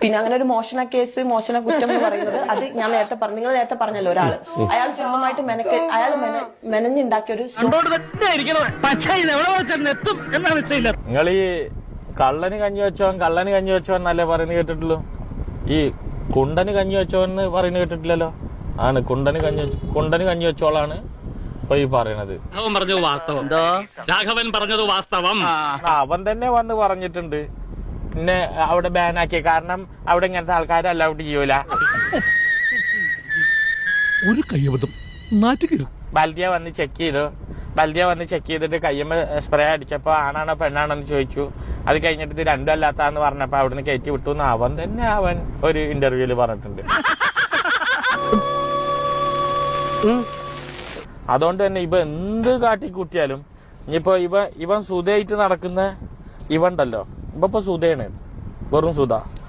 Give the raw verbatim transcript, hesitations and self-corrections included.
പിന്നെ അങ്ങനെ ഒരു മോഷണ കേസ് മോഷണ കുറ്റം എന്ന് പറയുന്നത് അത് ഞാൻ നേരത്തെ പറഞ്ഞു, നിങ്ങൾ നേരത്തെ പറഞ്ഞല്ലോ ഒരാള് അയാൾ സ്വന്തമായിട്ട് മെനക്ക് അയാൾ മെനഞ്ഞുണ്ടാക്കിയ ഒരു നിങ്ങൾ ഈ കള്ളന് കഞ്ഞി വെച്ചോൻ കള്ളന് കഞ്ഞി വെച്ചോൻ എന്നല്ലേ പറയുന്നത് കേട്ടിട്ടുള്ളൂ. ഈ കുണ്ടന് കഞ്ഞി വെച്ചോന്ന് പറയുന്നത് കേട്ടിട്ടില്ലല്ലോ. ആണ് കുണ്ടന് കഞ്ഞി കുണ്ടന് കഞ്ഞി വെച്ചോളാണ് ഇപ്പൊ ഈ പറയണത്. പറഞ്ഞത് വാസ്തവം, രാഘവൻ പറഞ്ഞത് വാസ്തവം. അവൻ തന്നെ വന്ന് പറഞ്ഞിട്ടുണ്ട് പിന്നെ അവിടെ ബാനാക്കിയ കാരണം അവിടെ ഇങ്ങനത്തെ ആൾക്കാരെ അലൗഡ് ചെയ്യൂല. ഒരു കയ്യബദ്ധം നാറ്റുക. ബൽദിയ വന്ന് ചെക്ക് ചെയ്തു. ബൽദിയ വന്ന് ചെക്ക് ചെയ്തിട്ട് കയ്യമ്മ സ്പ്രേ അടിച്ചപ്പോ ആണാണോ പെണ്ണാണോ എന്ന് ചോദിച്ചു. അത് കഴിഞ്ഞിട്ട് ഇത് രണ്ടും അല്ലാത്താന്ന് പറഞ്ഞപ്പോ അവിടുന്ന് കയറ്റി വിട്ടു എന്ന് അവൻ തന്നെ അവൻ ഒരു ഇന്റർവ്യൂല് പറഞ്ഞിട്ടുണ്ട്. അതുകൊണ്ട് തന്നെ ഇവ എന്ത് കാട്ടിക്കൂട്ടിയാലും ഇനിയിപ്പോ ഇവ ഇവൻ സുധയായിട്ട് നടക്കുന്ന ഇവണ്ടല്ലോ, ഇപ്പൊ സുധയാണ്, വെറും സുധ.